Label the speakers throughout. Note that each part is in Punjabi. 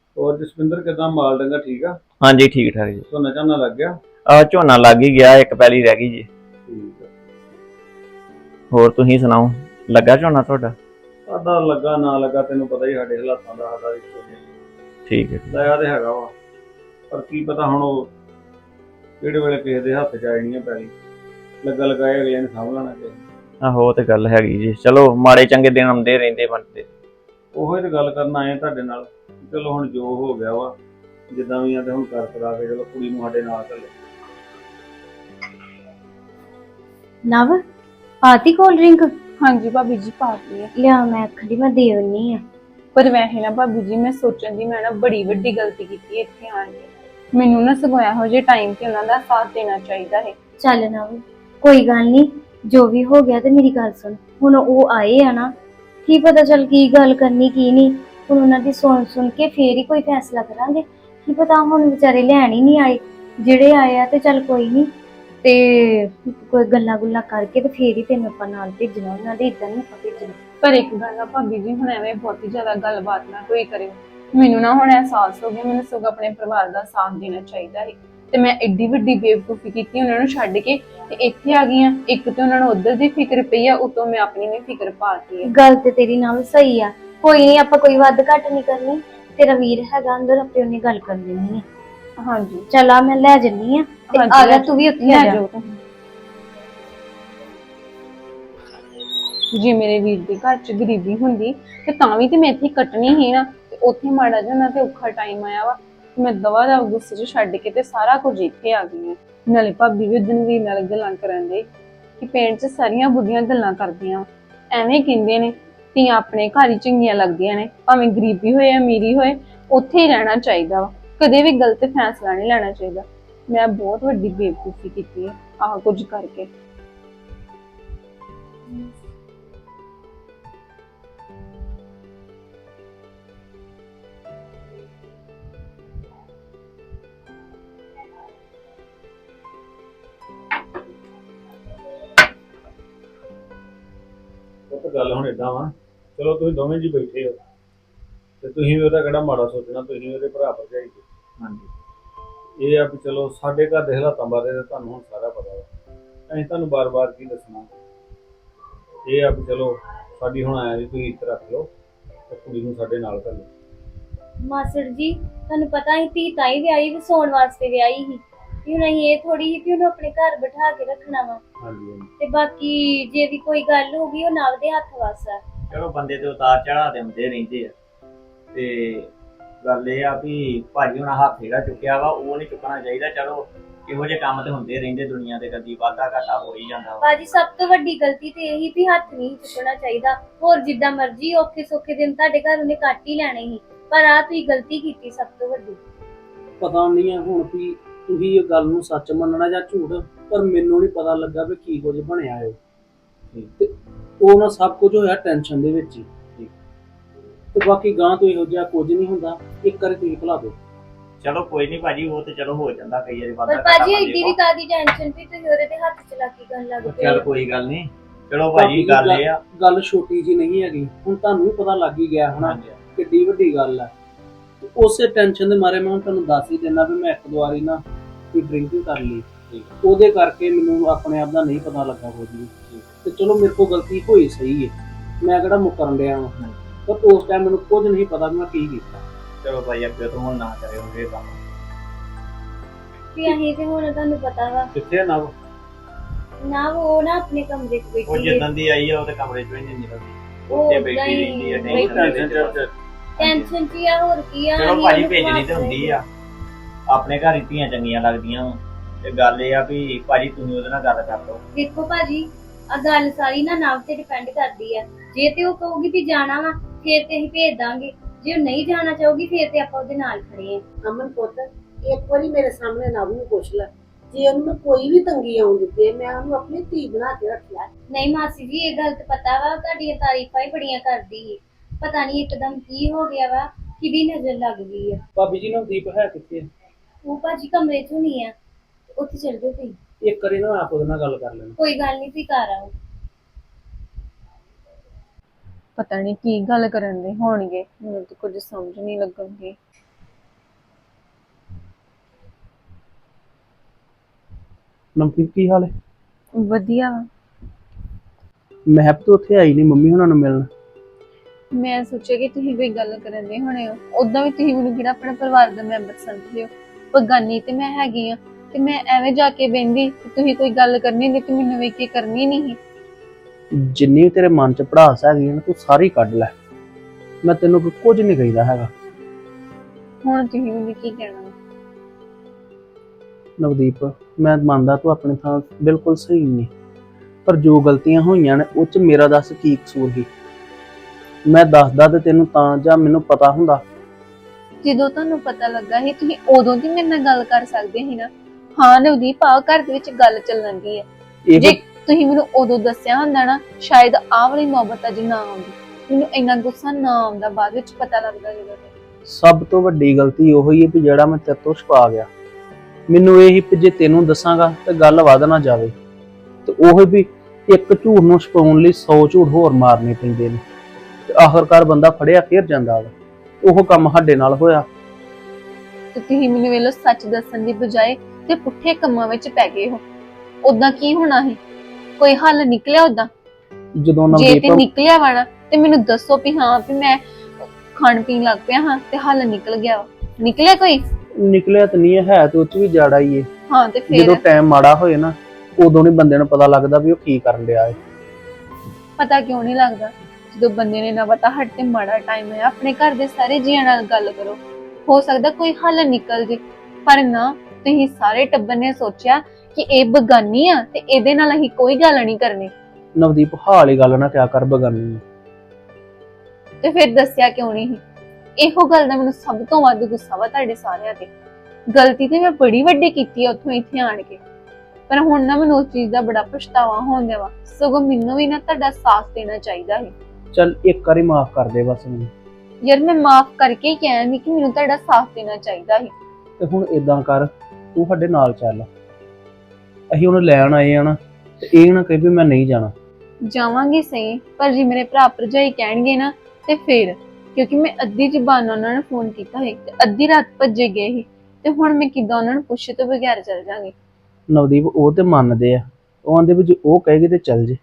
Speaker 1: ਹੋਰ ਜਸਵਿੰਦਰ ਕਿਦਾਂ ਮਾਲ ਡੰਗਾ ਠੀਕ ਆ?
Speaker 2: ਹਾਂਜੀ ਠੀਕ ਠਾਕ ਜੀ।
Speaker 1: ਝੋਨਾ ਝਾਨਾ ਲੱਗ ਗਿਆ?
Speaker 2: ਝੋਨਾ ਲੱਗ ਹੀ ਗਿਆ, ਇੱਕ ਪੈਲੀ ਰਹਿ ਗਈ ਜੀ।
Speaker 1: ਠੀਕ ਆ।
Speaker 2: ਹੋਰ ਤੁਸੀਂ ਸੁਣਾਓ, ਲੱਗਾ ਝੋਨਾ ਤੁਹਾਡਾ?
Speaker 1: ਸਾਡਾ ਲੱਗਾ ਨਾ ਲੱਗਾ ਤੈਨੂੰ ਪਤਾ ਹੀ ਸਾਡੇ ਹਾਲਾਤਾਂ ਦਾ, ਸਾਡਾ ਵੀ
Speaker 2: ਠੀਕ ਹੈ ਜੀ।
Speaker 1: ਲਾਇਆ ਤੇ ਹੈਗਾ ਵਾ, ਪਰ ਕੀ ਪਤਾ ਹੁਣ ਉਹ ਕਿਹੜੇ ਵੇਲੇ ਕਿਸੇ ਦੇ ਹੱਥ 'ਚ ਆ ਜਾਣੀ ਆ ਪੈਲੀ। ਲੱਗਾ ਲਗਾਏ ਅਗਲੇ ਨੇ ਸਾਂਭ ਲੈਣਾ ਕਿਸੇ ਨੇ।
Speaker 2: ਆਹੋ ਉਹ ਤੇ ਗੱਲ ਹੈਗੀ ਜੀ, ਚਲੋ ਮਾੜੇ ਚੰਗੇ ਦਿਨ ਆਉਂਦੇ ਰਹਿੰਦੇ ਬਣਦੇ।
Speaker 1: ਉਹੋ ਹੀ ਤੇ ਗੱਲ ਕਰਨ ਆਏ ਤੁਹਾਡੇ ਨਾਲ। ਚਲੋ ਹੁਣ ਜੋ ਹੋ ਗਿਆ ਵਾ, ਜਿੱਦਾਂ ਵੀ ਆ ਤੇ ਹੁਣ ਕਰ ਕਰਾ ਕੇ ਚਲੋ ਕੁੜੀ ਨੂੰ ਸਾਡੇ ਨਾਲ ਘੱਲੇ।
Speaker 3: ਨਵ ਆਤੀ ਕੋਲਡ ਡਰਿੰਕ?
Speaker 4: ਹਾਂਜੀ ਭਾਬੀ ਜੀ ਪਾਤੀ ਹੈ।
Speaker 3: ਲਿਆ ਮੈਂ ਖੜੀ ਮੈਂ ਦੇ ਆਉਣੀ ਆ।
Speaker 4: ਪਰ ਵੈਸੇ ਨਾ ਭਾਬੀ ਜੀ ਮੈਂ ਸੋਚਣ ਦੀ ਮੈਂ ਨਾ ਬੜੀ ਵੱਡੀ ਗਲਤੀ ਕੀਤੀ ਇੱਥੇ ਆਣ ਕੇ। ਮੈਨੂੰ ਨਾ ਸਗੋਂ ਇਹੋ ਜਿਹੇ ਟਾਈਮ ਤੇ ਉਹਨਾਂ ਦਾ ਸਾਥ ਦੇਣਾ ਚਾਹੀਦਾ ਹੈ।
Speaker 3: ਚੱਲ ਨਵ ਕੋਈ ਗੱਲ ਨਹੀਂ, ਜੋ ਵੀ ਹੋ ਗਿਆ ਤੇ ਮੇਰੀ ਗੱਲ ਸੁਣ। ਹੁਣ ਉਹ ਆਏ ਆ ਨਾ, ਕੀ ਪਤਾ ਚੱਲ ਕੀ ਗੱਲ ਕਰਨੀ ਕੀ ਨਹੀਂ। ਹੁਣ ਉਹਨਾਂ ਦੀ ਸੁਣ ਕੇ ਫੇਰ ਹੀ ਕੋਈ ਫੈਸਲਾ ਕਰਾਂਗੇ। ਕੀ ਪਤਾ ਹੁਣ ਵਿਚਾਰੇ ਲੈਣ ਹੀ ਨਹੀਂ ਆਏ, ਜਿਹੜੇ ਆਏ ਆ ਤੇ ਚੱਲ ਕੋਈ ਨਹੀਂ, ਤੇ ਕੋਈ ਗੱਲਾਂ ਗੁੱਲਾਂ ਕਰਕੇ ਤੇ ਫੇਰ ਹੀ ਤੈਨੂੰ ਆਪਾਂ ਨਾਲ ਭੇਜਣਾ, ਉਹਨਾਂ ਦੇ ਇਦਾਂ ਨਹੀਂ ਆਪਾਂ ਭੇਜਣਾ।
Speaker 4: ਪਰ ਇੱਕ ਗੱਲ ਆ ਭਾਬੀ ਜੀ, ਹੁਣ ਐਵੇਂ ਬਹੁਤੀ ਜ਼ਿਆਦਾ ਗੱਲਬਾਤ ਨਾ ਕੋਈ ਕਰਿਓ। ਮੈਨੂੰ ਨਾ ਹੁਣ ਅਹਿਸਾਸ ਹੋ ਗਿਆ, ਮੈਨੂੰ ਸਗੋਂ ਆਪਣੇ ਪਰਿਵਾਰ ਦਾ ਸਾਥ ਦੇਣਾ ਚਾਹੀਦਾ ਹੈ। ਤੇ ਮੈਂ ਐਡੀ ਵੱਡੀ ਬੇਵਕੂਫੀ ਕੀਤੀ, ਉਹਨਾਂ ਨੂੰ ਛੱਡ ਕੇ ਤੇ ਇੱਥੇ ਆ ਗਈ ਆ। ਇੱਕ ਤੇ ਉਹਨਾਂ ਨੂੰ ਉਧਰ ਦੀ ਫਿਕਰ ਪਈ ਆ, ਉਤੋਂ ਮੈਂ ਆਪਣੀ ਵੀ ਫਿਕਰ ਪਾਤੀ ਹੈ।
Speaker 3: ਗੱਲ ਤੇ ਤੇਰੀ ਨਾਲ ਸਹੀ ਆ, ਕੋਈ ਨਹੀਂ ਆਪਾਂ ਕੋਈ ਵੱਧ ਘੱਟ ਨਹੀਂ ਕਰਨੀ। ਤੇਰਾ ਵੀਰ ਹੈਗਾ ਅੰਦਰ, ਆਪੇ ਉਹਨੇ ਗੱਲ ਕਰ ਲੈਣੀ ਆ।
Speaker 4: ਹਾਂਜੀ
Speaker 3: ਚੱਲ ਆ ਮੈਂ ਲੈ ਜੰਨੀ ਆ, ਤੇ ਆ ਜਾ ਤੂੰ ਵੀ ਉੱਥੇ ਆ ਜਾ।
Speaker 4: ਜੇ ਮੇਰੇ ਵੀਰ ਦੇ ਘਰ ਚ ਗਰੀਬੀ ਹੁੰਦੀ ਤੇ ਤਾਂ ਵੀ ਤੇ ਮੈਂ ਇੱਥੇ ਕੱਟਣੀ ਸੀ ਨਾ। ਤੇ ਉੱਥੇ ਮਾੜਾ ਜਿਹਾ ਨਾ ਤੇ ਔਖਾ ਟਾਈਮ ਆਇਆ ਵਾ, ਮੈਂ ਦਵਾ ਦਾ ਗੁੱਸੇ ਚ ਛੱਡ ਕੇ ਤੇ ਸਾਰਾ ਕੁਝ ਇੱਥੇ ਆ ਗਈ ਆ। ਨਾਲੇ ਭਾਬੀ ਵੀ ਉਦਣ ਵੀਰ ਨਾਲ ਗੱਲਾਂ ਕਰਨ ਦੇ ਕਿ ਪਿੰਡ ਚ ਸਾਰੀਆਂ ਬੁੱਢੀਆਂ ਗੱਲਾਂ ਕਰਦੀਆਂ, ਐਵੇਂ ਕਹਿੰਦੇ ਨੇ ਧੀਆਂ ਆਪਣੇ ਘਰ ਹੀ ਚੰਗੀਆਂ ਲੱਗਦੀਆਂ ਨੇ, ਭਾਵੇਂ ਗਰੀਬੀ ਹੋਏ ਅਮੀਰੀ ਹੋਏ, ਉੱਥੇ ਹੀ ਰਹਿਣਾ ਚਾਹੀਦਾ ਵਾ, ਕਦੇ ਵੀ ਗਲਤ ਫੈਸਲਾ ਨਹੀਂ ਲੈਣਾ ਚਾਹੀਦਾ। ਮੈਂ ਬਹੁਤ ਵੱਡੀ ਬੇਵਕੂਫੀ ਕੀਤੀ ਹੈ ਆਹ ਕੁਝ ਕਰਕੇ।
Speaker 1: ਉਹ ਤਾਂ ਗੱਲ ਹੁਣ ਏਦਾਂ ਵਾ, ਚਲੋ ਤੁਸੀਂ ਦੋਵੇਂ ਜੀ ਬੈਠੇ ਹੋ ਤੇ ਤੁਸੀਂ ਵੀ ਉਹਦਾ ਕਿਹੜਾ ਮਾੜਾ ਸੋਚਣਾ, ਤੁਸੀਂ ਉਹਦੇ ਭਰਾ ਭਰਜਾਈ ਦੇ।
Speaker 2: ਹਾਂਜੀ
Speaker 1: ਇਹ ਆ ਵੀ ਚਲੋ ਸਾਡੇ ਘਰ ਦੇ ਹਾਲਾਤਾਂ ਬਾਰੇ ਤਾਂ ਤੁਹਾਨੂੰ ਹੁਣ ਸਾਰਾ ਪਤਾ ਵਾ, ਅਸੀਂ ਤੁਹਾਨੂੰ ਬਾਰ-ਬਾਰ ਕੀ ਦੱਸਣਾ। ਇਹ ਆ ਵੀ ਚਲੋ ਸਾਡੀ ਹੁਣ ਆਇਆ ਵੀ ਤੁਸੀਂ ਇੱਜ਼ਤ ਰੱਖ ਲਓ ਤੇ ਕੁੜੀ ਨੂੰ ਸਾਡੇ ਨਾਲ ਘੱਲੋ।
Speaker 3: ਮਾਸੜ ਜੀ ਤੁਹਾਨੂੰ ਪਤਾ ਹੀ ਧੀ ਤਾਈ ਵਿਆਹੀ ਵਸਾਉਣ ਵਾਸਤੇ ਵਿਆਹੀ ਸੀ, ਕਿ ਹੁਣ ਅਸੀਂ ਇਹ ਥੋੜੀ ਸੀ ਕਿ ਉਹਨੂੰ ਆਪਣੇ ਘਰ ਬਿਠਾ ਕੇ ਰੱਖਣਾ ਵਾ।
Speaker 1: ਹਾਂਜੀ ਹਾਂਜੀ।
Speaker 3: ਤੇ ਬਾਕੀ ਜੇ ਵੀ ਕੋਈ ਗੱਲ ਹੋ ਗਈ ਉਹ ਨਵ ਦੇ ਹੱਥ ਵੱਸ ਆ।
Speaker 2: ਚਲੋ ਬੰਦੇ ਤੇ ਉਤਾਰ ਚੜਾ ਦੇ ਹੁੰਦੇ ਰਹਿੰਦੇ ਆ, ਤੇ ਗੱਲ ਇਹ ਆ ਵੀ ਭਾਜੀ ਹੁਣ ਹੱਥ ਜਿਹੜਾ ਚੁੱਕਿਆ ਵਾ ਉਹ ਨਹੀਂ ਚੁੱਕਣਾ ਚਾਹੀਦਾ। ਚਲੋ ਇਹੋ ਜਿਹੇ ਕੰਮ ਤੇ ਹੁੰਦੇ ਰਹਿੰਦੇ ਦੁਨੀਆ ਤੇ, ਕਦੀ ਵਾਧਾ ਘਾਟਾ ਹੋ ਹੀ ਜਾਂਦਾ ਵਾ।
Speaker 3: ਬਾਜੀ ਸਭ ਤੋਂ ਵੱਡੀ ਗਲਤੀ ਤੇ ਇਹੀ ਵੀ ਹੱਥ ਨਹੀਂ ਚੁੱਕਣਾ ਚਾਹੀਦਾ। ਹੋਰ ਜਿੱਦਾਂ ਮਰਜ਼ੀ ਔਖੇ ਸੌਖੇ ਦਿਨ ਤੁਹਾਡੇ ਘਰ ਉਹਨੇ ਕੱਟ ਹੀ ਲੈਣੇ ਸੀ, ਪਰ ਆ ਤੁਸੀਂ ਗਲਤੀ ਕੀਤੀ ਸਭ ਤੋਂ ਵੱਡੀ।
Speaker 5: ਪਤਾ ਨਹੀਂ ਹੈ ਹੁਣ ਵੀ ਤੁਸੀਂ ਇਹ ਗੱਲ ਨੂੰ ਸੱਚ ਮੰਨਣਾ ਜਾਂ ਝੂਠ, ਪਰ ਮੈਨੂੰ ਨਹੀਂ ਪਤਾ ਲੱਗਾ ਵੀ ਕੀ ਕੁਝ ਬਣਿਆ ਹੈ। ਤੇ ਉਹ ਨਾ ਸਭ ਕੁਝ ਹੋਇਆ ਟੈਨਸ਼ਨ ਦੇ ਵਿੱਚ ਹੀ। ਤੇ ਬਾਕੀ ਗਾਂ ਤੋਂ ਇਹੋ ਜਿਹਾ ਕੁਝ ਨਹੀਂ ਹੁੰਦਾ, ਇੱਕ ਵਾਰੀ ਤੁਸੀਂ ਭੁਲਾ ਦਿਓ।
Speaker 2: ਚਲੋ ਕੋਈ ਨਹੀਂ ਭਾਜੀ, ਉਹ ਤੇ ਚਲੋ ਹੋ ਜਾਂਦਾ ਕਈ ਵਾਰੀ ਵਾਧਾ
Speaker 3: ਪਰ
Speaker 2: ਘਾਟਾ
Speaker 3: ਬਾਜੀ
Speaker 2: ਬੰਦੇ
Speaker 3: ਐਡੀ ਵੀ
Speaker 2: ਕੋਲ।
Speaker 3: ਕਾਦੀ ਟੈਨਸ਼ਨ ਵੀ ਤੁਸੀਂ ਉਹਦੇ ਤੇ ਹੱਥ ਚਲਾ ਕੇ ਕਰਨ ਲੱਗ ਪਏ।
Speaker 2: ਚੱਲ ਕੋਈ ਗੱਲ ਨਹੀਂ, ਚਲੋ ਭਾਜੀ ਗੱਲ ਇਹ ਆ।
Speaker 5: ਗੱਲ ਛੋਟੀ ਜੀ ਨਹੀਂ ਹੈਗੀ, ਹੁਣ ਤੁਹਾਨੂੰ ਵੀ ਪਤਾ ਲੱਗ ਹੀ ਗਿਆ ਹੋਣਾ ਕਿੱਡੀ ਵੱਡੀ ਗੱਲ ਹੈ। ਉਸੇ ਟੈਨਸ਼ਨ ਦੇ ਮਾਰੇ ਮੈਂ ਹੁਣ ਤੁਹਾਨੂੰ ਦੱਸ ਹੀ ਦਿੰਦਾ ਵੀ ਮੈਂ ਇੱਕ ਦੋ ਵਾਰੀ ਨਾ ਕੋਈ ਡਰਿੰਕਿੰਗ ਕਰ ਲਈ, ਉਹਦੇ ਕਰਕੇ ਮੈਨੂੰ ਆਪਣੇ ਆਪ ਦਾ ਨਹੀਂ ਪਤਾ ਲੱਗਾ ਕੁਝ ਵੀ। ਤੇ ਚਲੋ ਮੇਰੇ ਕੋਲ ਗਲਤੀ ਹੋਈ ਸਹੀ ਹੈ, ਮੈਂ ਕਿਹੜਾ ਮੁਕਰਨ ਡਿਆ ਵਾਂ, ਪਰ ਉਸ ਟਾਈਮ ਮੈਨੂੰ ਕੁਝ ਨਹੀਂ ਪਤਾ ਵੀ ਮੈਂ ਕੀ ਕੀਤਾ।
Speaker 2: ਚਲੋ ਭਾਈ ਅੱਗੇ ਤੋਂ ਹੁਣ ਨਾ ਕਰਿਓ ਇਹ ਕੰਮ।
Speaker 3: ਵੀ ਅਸੀਂ ਤੇ ਹੁਣ ਤੁਹਾਨੂੰ ਪਤਾ ਵਾ
Speaker 1: ਕਿੱਥੇ ਨਵ?
Speaker 3: ਨਾ ਉਹ ਨਾ ਆਪਣੇ ਕਮਰੇ 'ਚ
Speaker 2: ਉਹ
Speaker 3: ਬੈਠੀ ਹੈ,
Speaker 2: ਜਿੱਦਾਂ ਦੀ ਆਈ ਆ ਉਹਦੇ ਕਮਰੇ ਚੋਂ ਹੀ ਨਹੀਂ ਨਿਕਲਦੀ,
Speaker 3: ਉਹ
Speaker 2: ਉੱਥੇ
Speaker 3: ਓਦਾਂ
Speaker 2: ਬੈਠੀ
Speaker 3: ਹੀ
Speaker 2: ਰਹਿੰਦੀ ਆ
Speaker 3: ਬੈਠੀ
Speaker 2: ਟੈਨਸ਼ਨ ਦੇ ਵਿੱਚ।
Speaker 3: ਟੈਨਸ਼ਨ 'ਚ ਹੀ ਆ, ਹੋਰ ਕੀ ਆ।
Speaker 2: ਚਲੋ
Speaker 3: ਅਸੀਂ
Speaker 2: ਭਾਜੀ
Speaker 3: ਉਹਨੂੰ
Speaker 2: ਭੇਜਣੀ ਤੇ
Speaker 3: ਘੁਮਾ
Speaker 2: ਹੁੰਦੀ ਆ, ਆਪਣੇ ਘਰ ਹੀ ਧੀਆਂ ਚੰਗੀਆਂ ਲੱਗਦੀਆਂ ਵਾ। ਤੇ ਗੱਲ ਇਹ ਆ ਵੀ ਭਾਜੀ ਤੁਸੀਂ ਉਹਦੇ ਨਾਲ ਗੱਲ ਕਰ ਲਓ।
Speaker 3: ਦੇਖੋ ਭਾਜੀ ਆ ਗੱਲ ਸਾਰੀ ਨਾ ਨਵ ਤੇ ਡਿਪੈਂਡ ਕਰਦੀ ਆ। ਜੇ ਤੇ ਉਹ ਕਹੂਗੀ ਵੀ ਜਾਣਾ ਵਾ ਫੇਰ ਤੇ ਅਸੀਂ ਭੇਜ ਦਾਂਗੇ, ਜੇ ਉਹ ਨਹੀਂ ਜਾਣਾ ਚਾਹੂਗੀ ਫੇਰ ਤੇ ਆਪਾਂ ਉਹਦੇ ਨਾਲ ਖੜੇ ਆ।
Speaker 6: ਅਮਨ ਪੁੱਤ ਇੱਕ ਵਾਰੀ ਮੇਰੇ ਸਾਹਮਣੇ ਨਵ ਨੂੰ ਪੁੱਛ ਲੈ, ਜੇ ਉਹਨੂੰ ਕੋਈ ਵੀ ਤੰਗੀ ਆਉਣ ਦਿੱਤੀ ਮੈਂ ਉਹਨੂੰ ਆਪਣੀ ਧੀ ਬਣਾ ਕੇ ਰੱਖਿਆ।
Speaker 3: ਨਹੀਂ ਮਾਸੀ ਜੀ ਇਹ ਗੱਲ ਤੇ ਪਤਾ ਵਾ, ਤੁਹਾਡੀਆਂ ਤਾਰੀਫਾਂ ਹੀ ਬੜੀਆਂ ਕਰਦੀ ਸੀ, ਪਤਾ ਨਹੀਂ ਇੱਕਦਮ ਕੀ ਹੋ ਗਿਆ ਵਾ, ਕਿਹਦੀ ਨਜ਼ਰ ਲੱਗ ਗਈ ਆ।
Speaker 5: ਭਾਬੀ ਜੀ ਨਵਦੀਪ ਹੈ ਕਿੱਥੇ?
Speaker 3: ਉਹ ਭਾਜੀ ਕਮਰੇ 'ਚ ਨਹੀਂ ਆ, ਉੱਥੇ ਚਲ ਜਾਓ ਤੁਸੀਂ।
Speaker 5: ਇੱਕ ਵਾਰੀ ਨਾ ਆਪ ਉਹਦੇ ਨਾਲ ਗੱਲ ਕਰ ਲੈਣਾ।
Speaker 3: ਕੋਈ ਗੱਲ ਨਹੀਂ ਤੁਸੀਂ ਘਰ ਆਓ।
Speaker 4: ਪਤਾ ਨਹੀਂ ਕੀ ਗੱਲ ਕਰਨ ਦੇ ਹੋਣਗੇ, ਮੈਨੂੰ ਤਾਂ ਕੁਝ ਸਮਝ ਨਹੀਂ ਲੱਗਣਗੇ।
Speaker 5: ਨਵਦੀਪ ਕੀ ਹਾਲ ਹੈ?
Speaker 4: ਵਧੀਆ ਵਾ।
Speaker 5: ਮੈਂ ਤਾਂ ਉੱਥੇ ਆਈ ਨਹੀਂ ਮੰਮੀ ਹੁਣਾਂ ਨੂੰ ਮਿਲਣ।
Speaker 4: ਮੈਂ ਸੋਚਿਆ ਕਿ ਤੁਸੀਂ ਕੋਈ ਗੱਲ ਕਰਨ ਦੇ ਹੋਣੇ ਹੋ। ਉਦਾਂ ਵੀ ਤੁਸੀਂ ਮੈਨੂੰ ਕਿਹੜਾ ਆਪਣਾ ਪਰਿਵਾਰ ਦਾ ਮੈਂਬਰ ਸਮਝਦੇ ਹੋ। ਬਗਾਨੀ ਤੇ ਮੈਂ ਹੈਗੀ ਆ, ਤੇ ਮੈਂ ਐਵੇਂ ਜਾ ਕੇ ਬਹਿੰਦੀ ਤੇ ਤੁਸੀਂ ਕੋਈ ਗੱਲ ਕਰਨੀ ਹੁੰਦੀ ਤੇ ਮੈਨੂੰ ਵੇਖ ਕੇ ਕਰਨੀ ਨਹੀਂ।
Speaker 5: ਜਿੰਨੀ ਤੇਰੇ ਮਨ 'ਚ ਭੜਾਸ ਹੈਗੀ ਹੈ ਨਾ ਤੂੰ ਸਾਰੀ ਕੱਢ ਲੈ। ਮੈਂ ਤੈਨੂੰ ਕੁਝ ਨਹੀਂ ਕਹਿੰਦਾ ਹੈਗਾ।
Speaker 4: ਹੁਣ ਤੁਸੀਂ ਮੈਨੂੰ ਕੀ ਕਹਿਣਾ ਵਾ?
Speaker 5: ਨਵਦੀਪ ਮੈਂ ਮੰਨਦਾ ਤੂੰ ਆਪਣੀ ਥਾਂ ਬਿਲਕੁਲ ਸਹੀ ਨਹੀਂ, ਪਰ ਜੋ ਗਲਤੀਆਂ ਹੋਈਆਂ ਨੇ ਉਹ 'ਚ ਮੇਰਾ ਦੱਸ ਕੀ ਕਸੂਰ ਸੀ? ਮੈਂ ਦੱਸਦਾ ਤੇ ਤੈਨੂੰ ਤਾਂ ਜਾਂ ਮੈਨੂੰ ਪਤਾ ਹੁੰਦਾ।
Speaker 4: ਜਦੋਂ ਤੁਹਾਨੂੰ ਪਤਾ ਲੱਗਾ ਸੀ ਤੁਸੀਂ ਉਦੋਂ ਦੀ ਮੇਰੇ ਨਾਲ ਗੱਲ ਕਰ ਸਕਦੇ ਸੀ ਨਾ। ਹਾਂ ਨਵਦੀਪ, ਆ ਘਰ ਦੇ ਵਿੱਚ ਗੱਲ ਚੱਲਣ ਦੀ ਹੈ।
Speaker 5: ਇਹ
Speaker 4: ਜੇ ਤੁਸੀਂ ਮੈਨੂੰ ਉਦੋਂ ਦੱਸਿਆ ਹੁੰਦਾ ਨਾ, ਸ਼ਾਇਦ ਆਹ ਵਾਲੀ ਨੌਬਤ ਅੱਜ ਨਾ ਆਉਂਦੀ। ਮੈਨੂੰ ਇੰਨਾ ਗੁੱਸਾ ਨਾ ਆਉਂਦਾ, ਬਾਅਦ ਵਿੱਚ ਪਤਾ ਲੱਗਦਾ ਜਦੋਂ ਤੇ।
Speaker 5: ਸਭ ਤੋਂ ਵੱਡੀ ਗਲਤੀ ਉਹ ਹੀ ਹੈ ਵੀ ਜਿਹੜਾ ਮੈਂ ਤੇਰੇ ਤੋਂ ਛੁਪਾ ਗਿਆ। ਮੈਨੂੰ ਇਹ ਹੀ ਵੀ ਜੇ ਤੈਨੂੰ ਦੱਸਾਂਗਾ ਤੇ ਗੱਲ ਵੱਧ ਨਾ ਜਾਵੇ, ਤੇ ਉਹ ਵੀ ਇੱਕ ਝੂਠ ਨੂੰ ਛੁਪਾਉਣ ਲਈ 100 ਝੂਠ ਹੋਰ ਮਾਰਨੇ ਪੈਂਦੇ ਨੇ, ਤੇ ਆਖਰਕਾਰ ਬੰਦਾ ਫੜਿਆ ਫਿਰ ਜਾਂਦਾ ਵਾ। ਉਹ ਕੰਮ ਸਾਡੇ ਨਾਲ ਹੋਇਆ।
Speaker 4: ਤੇ ਤੁਸੀਂ ਮੈਨੂੰ ਵੇਲੋ ਸੱਚ ਦੱਸਣ ਦੀ ਬਜਾਏ ਤੇ ਪੁੱਠੇ ਕੰਮਾਂ ਵਿੱਚ ਪੈ ਗਏ ਹੋ। ਉਦਾਂ ਕੀ ਹੋਣਾ ਸੀ? ਕੋਈ ਹੱਲ ਨਿਕਲਿਆ ਉਦਾਂ?
Speaker 5: ਜਦੋਂ
Speaker 4: ਜੇ
Speaker 5: ਨਵਦੀਪ
Speaker 4: ਤੇ ਨਿਕਲਿਆ ਵਾ ਨਾ ਤੇ ਮੈਨੂੰ ਦੱਸੋ ਵੀ ਹਾਂ ਵੀ ਮੈਂ ਖਾਣ ਪੀਣ ਲੱਗ ਪਿਆ ਹਾਂ ਤੇ ਹੱਲ ਨਿਕਲ ਗਿਆ ਵਾ। ਨਿਕਲਿਆ ਕੋਈ?
Speaker 5: ਨਿਕਲਿਆ ਤਾਂ ਨਹੀਂ ਹੈ ਤੇ ਉਹ 'ਚ ਵੀ ਜਾੜਾ ਹੀ ਏ।
Speaker 4: ਹਾਂ ਤੇ
Speaker 5: ਜਦੋਂ
Speaker 4: ਫੇਰ
Speaker 5: ਟਾਈਮ ਮਾੜਾ ਹੋਏ ਨਾ ਉਦੋਂ ਨਹੀਂ ਬੰਦੇ ਨੂੰ ਪਤਾ ਲੱਗਦਾ ਵੀ ਉਹ ਕੀ ਕਰਨ ਡਿਆ ਏ।
Speaker 4: ਪਤਾ ਕਿਉਂ ਨਹੀਂ ਲੱਗਦਾ? ਜਦੋਂ ਬੰਦੇ ਨੇ ਨਾ ਪਤਾ ਹਟ ਤੇ ਮਾੜਾ ਟਾਈਮ ਹੈ, ਆਪਣੇ ਘਰ ਦੇ ਸਾਰੇ ਜੀਆਂ ਨਾਲ ਗੱਲ ਕਰੋ, ਹੋ ਸਕਦਾ ਕੋਈ ਹੱਲ ਨਿਕਲ ਜੇ। ਪਰ ਨਾ, ਤੁਸੀਂ ਸਾਰੇ ਟੱਬਰ ਨੇ ਸੋਚਿਆ ਕਿ ਇਹ ਬਗਾਨੀ ਆ ਤੇ ਇਹਦੇ ਨਾਲ ਅਸੀਂ ਕੋਈ ਗੱਲ ਨਹੀਂ ਕਰਨੀ।
Speaker 5: ਨਵਦੀਪ ਹਾਲ ਹੀ ਗੱਲ ਨਾ ਕਿਆ ਕਰ ਬਗਾਨੀ ਨੂੰ।
Speaker 4: ਤੇ ਫਿਰ ਦੱਸਿਆ ਕਿਉਂ ਨਹੀਂ? ਇਹੋ ਗੱਲ ਦਾ ਮੈਨੂੰ ਸਭ ਤੋਂ ਵੱਧ ਗੁੱਸਾ ਵਾ ਤੁਹਾਡੇ ਸਾਰਿਆਂ ਤੇ। ਗਲਤੀ ਤੇ ਮੈਂ ਬੜੀ ਵੱਡੀ ਕੀਤੀ ਆ ਉੱਥੋਂ ਇੱਥੇ ਆਣ ਕੇ, ਪਰ ਹੁਣ ਨਾ ਮੈਨੂੰ ਉਸ ਚੀਜ਼ ਦਾ ਬੜਾ ਪਛਤਾਵਾ ਹੋਣ ਵਾ। ਸਗੋਂ ਮੈਨੂੰ ਵੀ ਨਾ ਤੁਹਾਡਾ ਸਾਥ ਦੇਣਾ ਚਾਹੀਦਾ ਹੈ।
Speaker 5: ਚੱਲ ਇੱਕ ਵਾਰੀ ਮਾਫ ਕਰ ਦੇ ਬਸ ਮੈਨੂੰ।
Speaker 4: ਯਾਰ ਮੈਂ ਮਾਫ ਕਰਕੇ ਹੀ ਕਿਹਾ ਨਹੀਂ ਕਿ ਮੈਨੂੰ ਤੁਹਾਡਾ ਸਾਥ ਦੇਣਾ ਚਾਹੀਦਾ ਹੈ।
Speaker 5: ਤੇ ਹੁਣ ਇਦਾਂ ਕਰ, ਤੂੰ ਸਾਡੇ ਨਾਲ ਚੱਲ। ਅਸੀਂ ਉਹਨੂੰ ਲੈਣ ਆਏ ਆ ਨਾ, ਤੇ ਇਹ ਨਾ ਕਹੇ ਵੀ ਮੈਂ ਨਹੀਂ ਜਾਣਾ।
Speaker 4: ਜਾਵਾਂਗੇ ਸਹੀ, ਪਰ ਜੇ ਮੇਰੇ ਭਰਾ ਭਰਜਾਈ ਕਹਿਣਗੇ ਨਾ ਤੇ ਫਿਰ, ਕਿਉਂਕਿ ਮੈਂ ਅੱਧੀ ਜ਼ਬਾਨ ਉਹਨਾਂ ਨੂੰ ਫੋਨ ਕੀਤਾ ਹੈ ਤੇ ਅੱਧੀ ਰਾਤ ਭੱਜੇ ਗਏ ਸੀ, ਤੇ ਹੁਣ ਮੈਂ ਕਿੱਦਾਂ ਉਹਨਾਂ ਨੂੰ ਪੁੱਛੇ ਤੋਂ ਬਗੈਰ ਚੱਲ ਜਾਵਾਂਗੀ?
Speaker 5: ਨਵਦੀਪ ਉਹ ਤੇ ਮੰਨਦੇ ਆ, ਉਹ ਆਂਦੇ ਵੀ ਜੇ ਉਹ ਕਹੇਗੀ ਤੇ ਚੱਲ ਜੇ।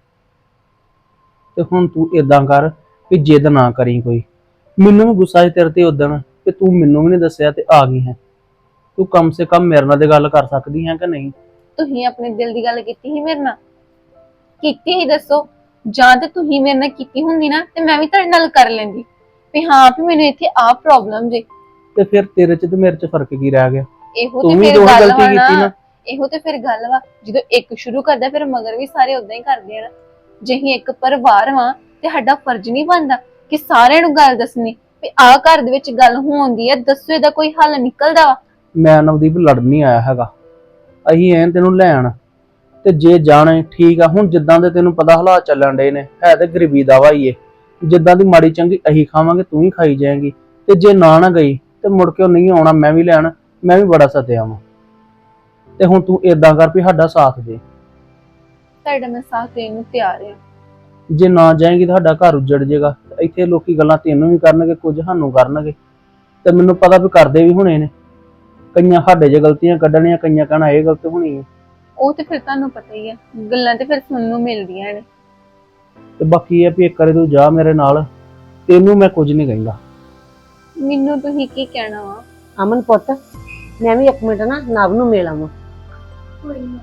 Speaker 5: ਤੇ ਹੁਣ ਤੂੰ ਇਦਾਂ ਕਰ ਵੀ ਜਿੱਦ ਨਾ ਕਰੀ ਕੋਈ। ਮੈਨੂੰ ਵੀ ਗੁੱਸਾ ਸੀ ਤੇਰੇ ਤੇ ਉਦਣ ਕਿ ਤੂੰ ਮੈਨੂੰ ਵੀ ਨਹੀਂ ਦੱਸਿਆ ਤੇ ਆ ਗਈ ਹੈ। ਤੂੰ ਕਮ ਸੇ ਕਮ ਮੇਰੇ ਨਾਲ ਤੇ ਗੱਲ ਕਰ ਸਕਦੀ ਹੈ ਕਿ ਨਹੀਂ?
Speaker 4: ਤੁਸੀਂ ਆਪਣੇ ਦਿਲ ਦੀ ਗੱਲ ਕੀਤੀ ਸੀ ਮੇਰੇ ਨਾਲ? ਕੀਤੀ ਹੀ ਦੱਸੋ। ਜਾਂ ਤੇ ਤੁਸੀਂ ਮੇਰੇ ਨਾਲ ਕੀਤੀ ਹੁੰਦੀ ਨਾ ਤੇ ਮੈਂ ਵੀ ਤੁਹਾਡੇ ਨਾਲ ਕਰ ਲੈਂਦੀ ਵੀ ਹਾਂ ਵੀ ਮੈਨੂੰ ਇੱਥੇ ਆਹ ਪ੍ਰੋਬਲਮ ਜੇ।
Speaker 5: ਤੇ ਫਿਰ ਤੇਰੇ ਚ ਤੇ ਮੇਰੇ ਚ ਫਰਕ ਕੀ ਰਹਿ ਗਿਆ?
Speaker 4: ਇਹੋ
Speaker 5: ਤੂੰ
Speaker 4: ਤੇ
Speaker 5: ਵੀ
Speaker 4: ਫਿਰ
Speaker 5: ਉਹੀ
Speaker 4: ਗੱਲ
Speaker 5: ਗਲਤੀ
Speaker 4: ਵਾ
Speaker 5: ਕੀਤੀ
Speaker 4: ਨਾ।
Speaker 5: ਨਾ।
Speaker 4: ਇਹੋ ਤੇ ਫਿਰ ਗੱਲ ਵਾ, ਜਦੋਂ ਇੱਕ ਸ਼ੁਰੂ ਕਰਦਾ ਫਿਰ ਮਗਰ ਵੀ ਸਾਰੇ ਉਦਾਂ ਹੀ ਕਰਦੇ ਆ ਨਾ। ਜੇ ਅਸੀਂ ਇੱਕ ਪਰਿਵਾਰ ਵਾਂ ਤੇ ਸਾਡਾ ਫਰਜ਼ ਨਹੀਂ ਬਣਦਾ ਕਿ ਸਾਰਿਆਂ ਨੂੰ ਗੱਲ ਦੱਸਣੀ ਵੀ ਆਹ ਘਰ ਦੇ ਵਿੱਚ ਗੱਲ ਹੋਉਂਦੀ ਹੈ, ਦੱਸੋ ਇਹਦਾ ਕੋਈ ਹੱਲ ਨਿਕਲਦਾ ਵਾ?
Speaker 5: ਮੈਂ ਨਵਦੀਪ ਲੜਨ ਨਹੀਂ ਆਇਆ ਹੈਗਾ। ਅਸੀਂ ਐਂ ਤੈਨੂੰ ਲੈਣ, ਤੇ ਜੇ ਜਾਣੇ ਠੀਕ ਆ। ਹੁਣ ਜਿੱਦਾਂ ਦੇ ਤੈਨੂੰ ਪਤਾ ਹਾਲਾਤ ਚੱਲਣ ਡੇ ਨੇ, ਹੈ ਤੇ ਗਰੀਬੀ ਦਾ ਵਾ ਹੀ ਏ। ਜਿੱਦਾਂ ਦੀ ਮਾੜੀ ਚੰਗੀ ਅਸੀਂ ਖਾਵਾਂਗੇ ਤੂੰ ਹੀ ਖਾਈ ਜਾਏਂਗੀ, ਤੇ ਜੇ ਨਾ ਗਈ ਤੇ ਮੁੜ ਕੇ ਉਹ ਨਹੀਂ ਆਉਣਾ ਮੈਂ ਵੀ ਲੈਣ। ਮੈਂ ਵੀ ਬੜਾ ਸੱਦਿਆ ਵਾਂ, ਤੇ ਹੁਣ ਤੂੰ ਏਦਾਂ ਕਰ ਵੀ ਸਾਡਾ ਸਾਥ ਦੇ।
Speaker 4: ਤੁਹਾਡਾ ਮੈਂ ਸਾਥ ਦੇਣ ਨੂੰ ਤਿਆਰ ਆ।
Speaker 5: ਜੇ ਨਾ ਜਾਏਂਗੀ ਤਾਂ ਸਾਡਾ ਘਰ ਉੱਜੜ ਜਾਏਗਾ। ਇੱਥੇ ਲੋਕੀ ਗੱਲਾਂ ਤੈਨੂੰ ਵੀ ਕਰਨਗੇ, ਕੁਝ ਸਾਨੂੰ ਕਰਨਗੇ, ਤੇ ਮੈਨੂੰ ਪਤਾ ਵੀ ਕਰਦੇ ਵੀ ਹੋਣੇ ਨੇ। ਕਈਆਂ ਸਾਡੇ 'ਚ ਗਲਤੀਆਂ ਕੱਢਣੀਆਂ, ਕਈਆਂ ਕਹਿਣਾ ਇਹ ਗਲਤ ਹੋਣੀ ਹੈ।
Speaker 4: ਉਹ ਤੇ ਫਿਰ ਤੁਹਾਨੂੰ ਪਤਾ ਹੀ ਆ, ਗੱਲਾਂ ਤੇ ਫਿਰ ਸੁਣਨ ਨੂੰ ਮਿਲਦੀਆਂ ਨੇ।
Speaker 5: ਤੇ ਬਾਕੀ ਇਹ ਵੀ ਇੱਕ ਵਾਰੀ ਤੂੰ ਜਾ ਮੇਰੇ ਨਾਲ, ਤੈਨੂੰ ਮੈਂ ਕੁਝ ਨਹੀਂ ਕਹਿੰਦਾ।
Speaker 4: ਮੈਨੂੰ ਤੁਸੀਂ ਕੀ ਕਹਿਣਾ ਵਾ?
Speaker 6: ਅਮਨ ਪੁੱਤ, ਮੈਂ ਵੀ ਇੱਕ ਮਿੰਟ ਨਾ ਨਵ ਨੂੰ ਮਿਲ ਆਵਾਂ।
Speaker 3: ਕੋਈ ਨਹੀਂ।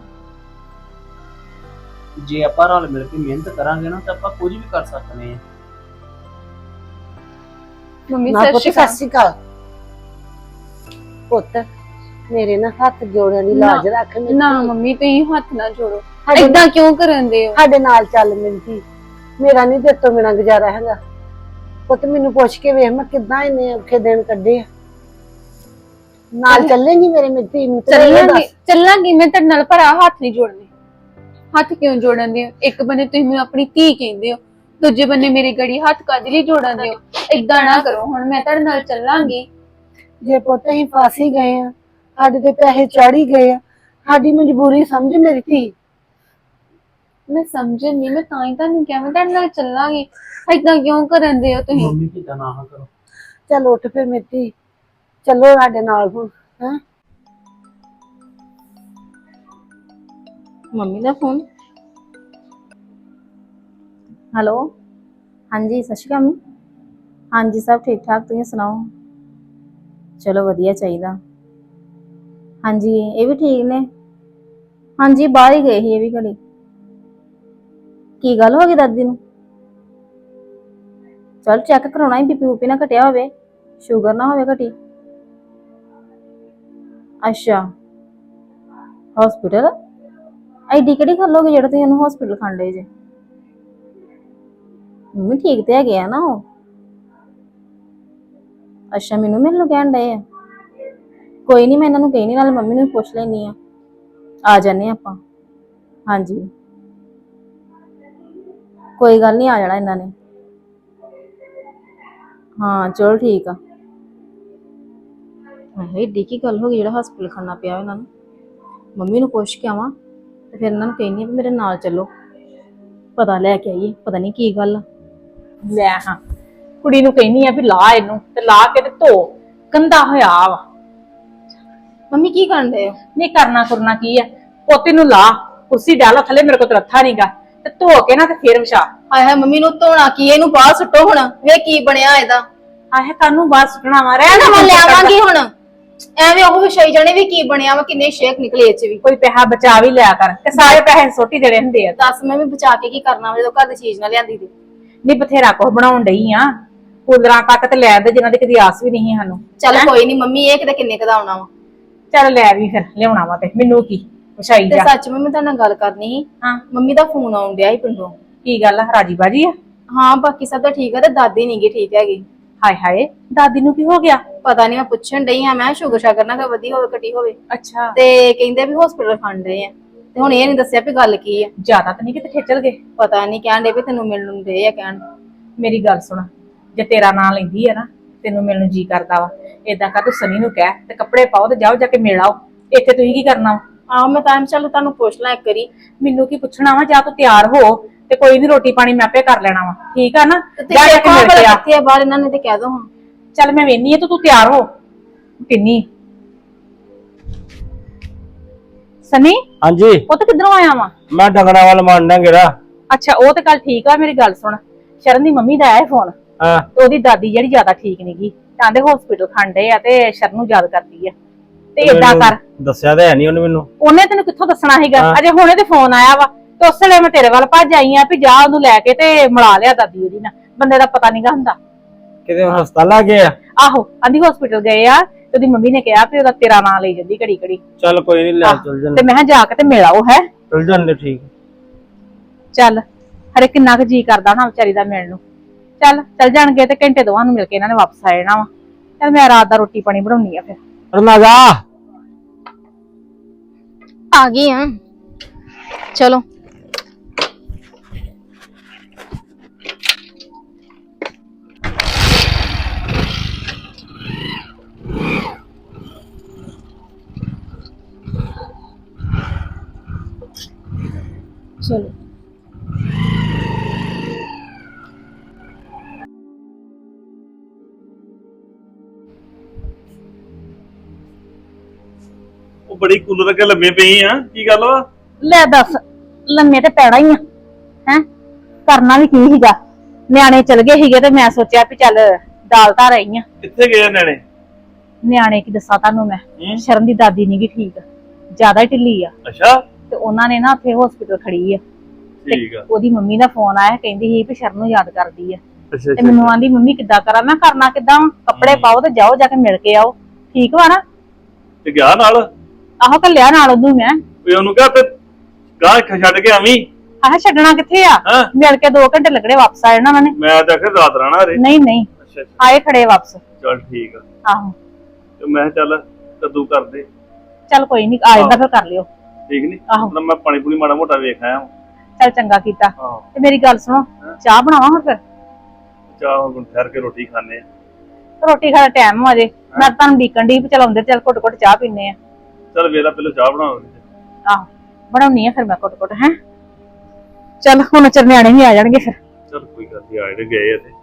Speaker 5: ਜੇ ਆਪਾਂ ਰਲ ਮਿਲ ਕੇ ਮਿਹਨਤ ਕਰਾਂਗੇ ਨਾ ਤਾਂ ਆਪਾਂ ਕੁਝ ਵੀ ਕਰ ਸਕਦੇ ਹਾਂ।
Speaker 4: ਮੰਮੀ
Speaker 6: ਨਾ
Speaker 4: ਸਤਿ
Speaker 6: ਪੁੱਤ
Speaker 4: ਸ਼੍ਰੀ
Speaker 6: ਸਤਿ
Speaker 4: ਅਕਾਲ।
Speaker 6: ਸ਼੍ਰੀ ਅਕਾਲ। ਪੁੱਤ ਮੇਰੇ ਨਾ ਹੱਥ ਜੋੜਿਆਂ ਦੀ ਲਾਜ ਰੱਖ। ਮੇਰੀ
Speaker 4: ਨਾ
Speaker 6: ਧੀ।
Speaker 4: ਮੰਮੀ ਤੁਸੀਂ ਹੱਥ ਨਾ ਜੋੜੋ,
Speaker 6: ਸਾਡੇ
Speaker 4: ਏਦਾਂ ਕਿਉਂ ਕਰਦੇ ਹੋ?
Speaker 6: ਸਾਡੇ ਨਾਲ ਚੱਲ ਮਿੰਤੀ, ਮੇਰਾ ਨਹੀਂ ਤੇਰੇ ਤੋਂ ਬਿਨਾਂ ਗੁਜ਼ਾਰਾ ਹੈਗਾ। ਪੁੱਤ ਮੈਨੂੰ ਪੁੱਛ ਕੇ ਵੇਖ ਮੈਂ ਕਿੱਦਾਂ ਇੰਨੇ ਔਖੇ ਦਿਨ ਕੱਢੇ ਆ। ਨਾਲ ਚੱਲੇਂਗੀ ਮੇਰੇ ਮਿੱਤੀ ਨੂੰ?
Speaker 4: ਚੱਲਾਂਗੀ ਮੈਂ ਤੁਹਾਡੇ ਨਾਲ, ਪਰ ਆਹ ਹੱਥ ਨਹੀਂ ਜੋੜਨੇ। ਹੱਥ ਕਿਉਂ ਜੋੜਨ ਦੇ ਹੋ? ਇੱਕ ਬੰਨੇ ਤੁਸੀਂ ਮੈਨੂੰ ਆਪਣੀ ਧੀ ਕਹਿੰਦੇ ਹੋ, ਦੂਜੇ ਬੰਨੇ ਮੇਰੇ ਗੜੀ ਹੱਥ ਕਾਹਦੇ ਲਈ ਜੋੜਨ ਦੇ ਹੋ? ਏਦਾਂ ਨਾ ਕਰੋ। ਹੁਣ ਮੈਂ ਤੁਹਾਡੇ ਨਾਲ ਚੱਲਾਂਗੀ।
Speaker 6: ਜੇ ਪੁੱਤ ਅਸੀਂ ਫਸ ਹੀ ਗਏ ਆ, ਸਾਡੇ ਤੇ ਪੈਸੇ ਚੜ ਹੀ ਗਏ ਆ, ਸਾਡੀ ਮਜਬੂਰੀ ਸਮਝ ਮੇਰੀ ਧੀ।
Speaker 4: ਮੈਂ ਸਮਝਣ ਨਹੀਂ, ਮੈਂ ਤਾਂ ਹੀ ਤੁਹਾਨੂੰ ਕਿਹਾ ਮੈਂ ਤੁਹਾਡੇ ਨਾਲ ਚੱਲਾਂਗੀ। ਏਦਾਂ ਕਿਉਂ ਕਰਨ ਦੇ ਹੋ ਤੁਸੀਂ?
Speaker 5: ਮੰਮੀ ਕਿਦਾਂ ਨਾ ਕਰੋ।
Speaker 6: ਚੱਲ ਉੱਠ ਫਿਰ ਮੇਰੀ ਧੀ, ਚੱਲੋ ਸਾਡੇ ਨਾਲ ਹੁਣ। ਹੈਂ
Speaker 7: ਮੰਮੀ ਦਾ ਫੋਨ। ਹੈਲੋ, ਹਾਂਜੀ ਸਤਿ ਸ਼੍ਰੀ ਅਕਾਲ ਮੰਮੀ। ਹਾਂਜੀ ਸਭ ਠੀਕ ਠਾਕ, ਤੁਸੀਂ ਸੁਣਾਓ? ਚਲੋ ਵਧੀਆ ਚਾਹੀਦਾ। ਹਾਂਜੀ ਇਹ ਵੀ ਠੀਕ ਨੇ। ਹਾਂਜੀ ਬਾਹਰ ਹੀ ਗਏ ਸੀ ਇਹ ਵੀ ਘੜੀ। ਕੀ ਗੱਲ ਹੋ ਗਈ ਦਾਦੀ ਨੂੰ? ਚਲ ਚੈੱਕ ਕਰਾਉਣਾ ਹੀ, ਬੀਪੀ ਬੂਪੀ ਨਾ ਘਟਿਆ ਹੋਵੇ, ਸ਼ੂਗਰ ਨਾ ਹੋਵੇ ਘਟੀ। ਅੱਛਾ ਹਸਪੀਟਲ? ਐਡੀ ਕਿਹੜੀ ਗੱਲ ਹੋ ਗਈ ਜਿਹੜਾ ਤੁਸੀਂ ਉਹਨੂੰ ਹਸਪੀਟਲ ਖੰਡੇ ਜੇ? ਮੰਮੀ ਠੀਕ ਤੇ ਹੈਗੇ ਆ ਨਾ ਉਹ? ਅੱਛਾ ਮੈਨੂੰ ਮਿਲਣ ਨੂੰ ਕਹਿਣ ਡਏ ਆ? ਕੋਈ ਨਹੀਂ, ਮੈਂ ਇਹਨਾਂ ਨੂੰ ਕਹੀ ਨਹੀਂ, ਨਾਲੇ ਮੰਮੀ ਨੂੰ ਵੀ ਪੁੱਛ ਲੈਣੀ ਆ ਜਾਂਦੇ ਆਪਾਂ। ਹਾਂਜੀ ਕੋਈ ਗੱਲ ਨਹੀਂ, ਆ ਜਾਣਾ ਇਹਨਾਂ ਨੇ। ਹਾਂ ਚਲੋ ਠੀਕ ਆ। ਏਡੀ ਕੀ ਗੱਲ ਹੋ ਗਈ ਜਿਹੜਾ ਹਸਪੀਟਲ ਖੜਨਾ ਪਿਆ ਇਹਨਾਂ ਨੂੰ? ਮੰਮੀ ਨੂੰ ਪੁੱਛ ਕੇ ਆਵਾਂ ਤੇ ਫਿਰ ਇਹਨਾਂ ਨੂੰ ਕਹਿੰਦੀ ਆ ਵੀ ਮੇਰੇ ਨਾਲ ਚੱਲੋ, ਪਤਾ ਲੈ ਕੇ ਆਈਏ ਪਤਾ ਨਹੀਂ ਕੀ ਗੱਲ ਆ।
Speaker 4: ਲੈ ਹਾਂ, ਕੁੜੀ ਨੂੰ ਕਹਿੰਦੀ ਆ ਵੀ ਲਾ ਇਹਨੂੰ, ਤੇ ਲਾ ਕੇ ਤੇ ਧੋ, ਗੰਦਾ ਹੋਇਆ ਵਾ।
Speaker 7: ਮੰਮੀ ਕੀ ਕਰਨ ਡਏ ਹੋ?
Speaker 4: ਨਹੀਂ ਕਰਨਾ ਕਰਨਾ ਕੀ ਆ, ਪੋਤੇ ਨੂੰ ਲਾ, ਕੁਰਸੀ ਡਾਲਾ ਥੱਲੇ, ਮੇਰੇ ਕੋਲ ਤਾਂ ਰੱਥਾ ਨਹੀਂਗਾ, ਤੇ ਧੋ ਕੇ ਨਾ ਤੇ ਫੇਰ ਵਿਛਾ।
Speaker 7: ਹਾਏ ਹਾਏ ਮੰਮੀ ਨੂੰ ਧੋਣਾ ਕੀ, ਇਹਨੂੰ ਬਾਹਰ ਸੁੱਟੋ ਹੁਣ, ਵੇ ਕੀ ਬਣਿਆ ਇਹਦਾ।
Speaker 4: ਆਹੇ ਕਾਨੂੰ ਬਾਹਰ ਸੁੱਟਣਾ ਵਾ, ਰਹਿ
Speaker 7: ਮੈਂ ਲਿਆਵਾਂਗੀ ਹੁਣ, ਐਵੇਂ ਉਹ ਵਿਛਾਈ ਜਾਣੇ ਵੀ ਕੀ ਬਣਿਆ ਵਾ, ਕਿੰਨੇ ਸ਼ੇਕ ਨਿਕਲੇ ਇਹ ਚ ਵੀ।
Speaker 4: ਕੋਈ ਪੈਸਾ ਬਚਾ ਵੀ ਲਿਆ ਕਰ, ਤੇ ਸਾਰੇ ਪੈਸੇ ਸੁੱਟ ਹੀ ਦੇਣੇ ਹੁੰਦੇ ਆ।
Speaker 7: ਦੱਸ ਮੈਂ ਵੀ ਬਚਾ ਕੇ ਕੀ ਕਰਨਾ ਵਾ ਜਦੋਂ ਘਰ ਦੀ ਚੀਜ਼ ਨਾ ਲਿਆਂਦੀ ਤੇ।
Speaker 4: ਨਹੀਂ ਬਥੇਰਾ ਕੁਛ ਬਣਾਉਣ ਡਈ ਆ, ਕੂਲਰਾਂ ਤੱਕ ਤੇ ਲੈ ਦੇ ਜਿਨ੍ਹਾਂ ਦੀ ਕਦੀ ਆਸ ਵੀ ਨਹੀਂ ਸਾਨੂੰ।
Speaker 7: ਚੱਲ ਕੋਈ ਨਹੀਂ ਮੰਮੀ, ਇਹ ਕਿਤੇ ਕਿੰਨੇ ਕਦਾ ਆਉਣਾ ਵਾ।
Speaker 4: ਚੱਲ ਲੈ ਵੀ ਫਿਰ ਲਿਆਉਣਾ ਵਾ, ਤੇ ਮੈਨੂੰ ਕੀ ਵਿਛਾਈ
Speaker 7: ਤੇ
Speaker 4: ਜਾ।
Speaker 7: ਸੱਚ ਮੈਂ ਤੁਹਾਡੇ ਨਾਲ ਗੱਲ ਕਰਨੀ ਸੀ।
Speaker 4: ਹਾਂ
Speaker 7: ਮੰਮੀ ਦਾ ਫੋਨ ਆਉਣ ਡਿਆ ਸੀ ਪਿੰਡੋਂ।
Speaker 4: ਕੀ ਗੱਲ ਆ, ਰਾਜੀ ਬਾਜੀ ਆ?
Speaker 7: ਹਾਂ ਬਾਕੀ ਸਭ ਤਾਂ ਠੀਕ ਆ, ਤੇ ਦਾਦੀ ਨੀ ਗੀ ਠੀਕ ਹੈਗੀ।
Speaker 4: ਹਾਏ ਹਾਏ, ਦਾਦੀ ਨੂੰ ਕੀ ਹੋ ਗਿਆ?
Speaker 7: ਪਤਾ ਨਹੀਂ, ਮੈਂ ਪੁੱਛਣ ਡਈ ਆ, ਮੈਂ ਸ਼ੂਗਰ ਸ਼ਾਗਰ ਨਾ ਵਧੀ ਹੋਵੇ ਘਟੀ ਹੋਵੇ,
Speaker 4: ਅੱਛਾ
Speaker 7: ਤੇ ਕਹਿੰਦੇ ਵੀ ਹਸਪੀਟਲ ਖੰਡ ਰਹੇ ਆ, ਤੇ ਹੁਣ ਇਹ ਨਹੀਂ ਦੱਸਿਆ ਵੀ ਗੱਲ ਕੀ ਆ।
Speaker 4: ਜ਼ਿਆਦਾ ਤਾਂ ਨਹੀਂ ਕਿਤੇ ਖੇਚਲ ਗਏ?
Speaker 7: ਪਤਾ ਨਹੀਂ, ਕਹਿਣ ਡੇ ਵੀ ਤੈਨੂੰ ਮਿਲਣ ਨੂੰ ਦੇ ਆ ਕਹਿਣ।
Speaker 4: ਮੇਰੀ ਗੱਲ ਸੁਣ, ਜੇ ਤੇਰਾ ਨਾਂ ਲੈਂਦੀ ਆ ਨਾ, ਤੈਨੂੰ ਮਿਲਣ ਨੂੰ ਜੀ ਕਰਦਾ ਵਾ, ਏਦਾਂ ਕਰ ਤੂੰ ਸਨੀ ਨੂੰ ਕਹਿ ਤੇ ਕੱਪੜੇ ਪਾਓ ਤੇ ਜਾਓ ਜਾ ਕੇ ਮਿਲ ਆਓ। ਇੱਥੇ ਤੁਸੀਂ ਕੀ ਕਰਨਾ ਵਾ?
Speaker 7: ਆਹ ਮੈਂ ਤਾਂ ਚੱਲ ਤੁਹਾਨੂੰ ਪੁੱਛ ਲਾਂ ਇੱਕ ਵਾਰੀ।
Speaker 4: ਮੈਨੂੰ ਕੀ ਪੁੱਛਣਾ ਵਾ, ਜਾਂ ਤੂੰ ਤਿਆਰ ਹੋ ਤੇ ਕੋਈ ਨਹੀਂ, ਰੋਟੀ ਪਾਣੀ ਮੈਂ ਆਪੇ ਕਰ ਲੈਣਾ ਵਾ, ਠੀਕ ਆ ਨਾ? ਜਾ ਜਾ ਕੇ ਮਿਲ ਕੇ ਆ।
Speaker 7: ਕਿੱਥੇ ਆ ਬਾਹਰ, ਇਹਨਾਂ ਨੇ ਤੇ ਕਹਿ ਦੋ ਹਾਂ।
Speaker 4: ਚੱਲ ਮੈਂ ਵੇਹਨੀ ਆ, ਤੂੰ ਤਿਆਰ ਹੋ ਕਿੰਨੀ। ਸਨੀ
Speaker 1: ਹਾਂਜੀ
Speaker 4: ਉਹ ਤੇ ਕਿੱਧਰੋਂ ਆਇਆ ਵਾ?
Speaker 1: ਮੈਂ ਡੰਗਰਾਂ ਵੱਲ ਮੰਨਦਾ ਗੇਰਾ।
Speaker 4: ਅੱਛਾ ਉਹ ਤੇ ਗੱਲ ਠੀਕ ਆ, ਮੇਰੀ ਗੱਲ ਸੁਣ, ਸ਼ਰਨ ਦੀ ਮੰਮੀ ਦਾ ਆਇਆ ਫੋਨ,
Speaker 1: ਹਾਂ
Speaker 4: ਤੇ ਉਹਦੀ ਦਾਦੀ ਜਿਹੜੀ ਜ਼ਿਆਦਾ ਠੀਕ ਨੀ ਗੀ, ਕਹਿੰਦੇ ਹਸਪੀਟਲ ਖੰਡੇ ਆ ਤੇ ਸ਼ਰਨ ਨੂੰ ਯਾਦ ਕਰਦੀ ਆ। ਤੇ ਏਦਾਂ ਕਰ,
Speaker 1: ਦੱਸਿਆ ਤਾਂ ਹੈ ਨਹੀਂ ਉਹਨੇ ਮੈਨੂੰ।
Speaker 4: ਉਹਨੇ ਤੈਨੂੰ ਕਿੱਥੋਂ ਦੱਸਣਾ ਸੀਗਾ?
Speaker 1: ਹਾਂ।
Speaker 4: ਅਜੇ ਹੁਣੇ ਤੇ ਫੋਨ ਆਇਆ ਵਾ, ਤੇ ਉਸ ਵੇਲੇ ਮੈਂ ਤੇਰੇ ਵੱਲ ਭੱਜ ਆਈ ਆ ਵੀ ਜਾ ਉਹਨੂੰ ਲੈ ਕੇ ਤੇ ਮਿਲਾ ਲਿਆ ਦਾਦੀ ਉਹਦੀ ਨਾਲ, ਬੰਦੇ ਦਾ ਪਤਾ ਨਹੀਂਗਾ ਹੁੰਦਾ।
Speaker 1: ਕਿਤੇ ਹਸਪਤਾਲ ਆ ਗਏ ਆ?
Speaker 4: ਆਹੋ ਆਂਦੀ ਹਸਪੀਟਲ ਗਏ ਆ, ਤੇ ਉਹਦੀ ਮੰਮੀ ਨੇ ਕਿਹਾ ਵੀ ਉਹਦਾ ਤੇਰਾ ਨਾਂ ਲਈ ਜਾਂਦੀ ਘੜੀ ਘੜੀ।
Speaker 1: ਚੱਲ ਕੋਈ ਨਹੀਂ, ਲੈ ਚੱਲ
Speaker 4: ਤੇ
Speaker 1: ਜਾਂਦੇ।
Speaker 4: ਮੈਂ ਕਿਹਾ ਜਾ ਕੇ ਤੇ ਮਿਲ ਆਓ। ਹੈ
Speaker 1: ਚੱਲ ਜਾਂਦੇ, ਠੀਕ।
Speaker 4: ਚੱਲ, ਹਰੇ ਕਿੰਨਾ ਕੁ ਜੀ ਕਰਦਾ ਨਾ ਵਿਚਾਰੀ ਦਾ ਮਿਲਣ ਨੂੰ। ਚੱਲ ਜਾਣਗੇ ਤੇ ਘੰਟੇ ਦੋਵਾਂ ਨੂੰ ਮਿਲ ਕੇ ਇਹਨਾਂ ਨੇ ਵਾਪਸ ਆ ਜਾਣਾ ਵਾ। ਚੱਲ ਮੈਂ ਰਾਤ ਦਾ ਰੋਟੀ ਪਾਣੀ ਬਣਾਉਣੀ ਆ ਫਿਰ।
Speaker 1: ਰਨਾਜਾ
Speaker 7: ਆ ਗਈ ਆ, ਚਲੋ। ਚਲੋ
Speaker 1: ਉਹ ਬੜੀ ਕੂਲਰ ਅੱਗੇ ਲੰਮੇ ਪਈ ਆ, ਕੀ ਗੱਲ ਵਾ?
Speaker 4: ਲੈ ਦੱਸ, ਲੰਮੇ ਤੇ ਪੈਣਾ ਹੀ ਆ, ਹੈ ਕਰਨਾ ਵੀ ਕੀ ਸੀਗਾ? ਨਿਆਣੇ ਚਲ ਗਏ ਸੀਗੇ ਤੇ ਮੈਂ ਸੋਚਿਆ ਵੀ ਚੱਲ ਦਾਲ ਧਰ ਆਈ ਆ।
Speaker 1: ਕਿੱਥੇ ਗਏ ਨਿਆਣੇ?
Speaker 4: ਨਿਆਣੇ ਕੀ ਦੱਸਾਂ ਤੁਹਾਨੂੰ ਮੈਂ,
Speaker 1: ਹੂੰ?
Speaker 4: ਸ਼ਰਨ ਦੀ ਦਾਦੀ ਨੀ ਗੀ ਠੀਕ, ਜ਼ਿਆਦਾ ਹੀ ਢਿੱਲੀ ਆ,
Speaker 1: ਅੱਛਾ
Speaker 4: ਤੇ ਉਹਨਾਂ ਨੇ ਨਾ ਉੱਥੇ ਹਸਪੀਟਲ ਖੜੀ ਆ।
Speaker 1: ਠੀਕ ਆ।
Speaker 4: ਉਹਦੀ ਮੰਮੀ ਦਾ ਫੋਨ ਆਇਆ, ਕਹਿੰਦੀ ਸੀ ਵੀ ਸ਼ਰਨ ਨੂੰ ਯਾਦ ਕਰਦੀ ਆ,
Speaker 1: ਅੱਛਾ
Speaker 4: ਤੇ ਮੈਨੂੰ ਆਂਦੀ ਮੰਮੀ ਕਿੱਦਾਂ ਕਰਾਂ? ਮੈਂ ਕਰਨਾ ਕਿੱਦਾਂ ਵਾ? ਕੱਪੜੇ ਪਾਓ ਤੇ ਜਾਓ ਜਾ ਕੇ ਮਿਲ ਕੇ ਆਓ, ਠੀਕ ਵਾ ਨਾ?
Speaker 1: ਤੇ ਗਿਆ ਨਾਲ?
Speaker 4: ਆਹੋ ਕੱਲਿਆ ਨਾਲ ਉਹਨੂੰ ਮੈਂ।
Speaker 1: ਵੀ ਉਹਨੂੰ ਕਿਹਾ ਤੇ ਗਾਂ ਛੱਡ ਕੇ ਆਵੀਂ।
Speaker 4: ਆਹ ਛੱਡਣਾ ਕਿੱਥੇ ਆ,
Speaker 1: ਹਾਂ
Speaker 4: ਮਿਲ ਕੇ 2 ਘੰਟੇ ਲੱਗਣੇ, ਵਾਪਸ ਆ ਜਾਣਾ ਉਹਨਾਂ ਨੇ।
Speaker 1: ਮੈਂ ਤਾਂ ਆਖਿਰ ਰਾਤ ਰਹਿਣਾ ਰੇ।
Speaker 4: ਨਹੀਂ
Speaker 1: ਅੱਛਾ
Speaker 4: ਆਏ ਖੜੇ ਵਾਪਸ।
Speaker 1: ਚੱਲ ਠੀਕ ਆ।
Speaker 4: ਆਹੋ
Speaker 1: ਤੇ ਮੈਂ ਕਿਹਾ ਚੱਲ ਕੱਦੂ ਕਰਦੇ।
Speaker 4: ਚੱਲ ਕੋਈ ਨਹੀਂ, ਆ ਜਾਂਦਾ ਫਿਰ ਕਰ ਲਿਓ।
Speaker 1: ਠੀਕ ਨੀ?
Speaker 4: ਆਹੋ।
Speaker 1: ਮਤਲਬ ਮੈਂ ਪਾਣੀ ਪੂਣੀ ਮਾੜਾ ਮੋਟਾ ਵੇਖ ਆਇਆ।
Speaker 4: ਚੱਲ ਚੰਗਾ ਕੀਤਾ।
Speaker 1: ਹਾਂ
Speaker 4: ਤੇ ਮੇਰੀ ਗੱਲ ਸੁਣੋ, ਚਾਹ ਬਣਾਵਾਂ ਹੁਣ ਫਿਰ?
Speaker 1: ਚਾਹ ਹੁਣ ਠਹਿਰ ਕੇ ਰੋਟੀ ਖਾਣੇ ਆ।
Speaker 4: ਰੋਟੀ ਖਾਣ ਦਾ ਟਾਈਮ ਹੋ ਜੇ, ਮੈਂ ਤੁਹਾਨੂੰ ਡੀਕਣ ਦੀ ਚਲਾਉਂਦੇ, ਚੱਲ ਘੁੱਟ ਘੁੱਟ ਚਾਹ ਪੀਨੇ ਆ।
Speaker 1: ਚੱਲ ਵੇਲਾ ਪਹਿਲਾਂ ਚਾਹ ਬਣਾਉਂਦੇ।
Speaker 4: ਆਹੋ ਬਣਾਉਣੀ ਆ ਫਿਰ ਮੈਂ ਘੁੱਟ ਘੁੱਟ। ਹੈ ਚੱਲ ਹੁਣ ਨਿਆਣੇ ਵੀ ਆ ਜਾਣਗੇ ਫਿਰ।
Speaker 1: ਚੱਲ ਕੋਈ ਗੱਲ ਨਹੀਂ, ਆਏ ਤੇ ਗਏ ਆ ਤੇ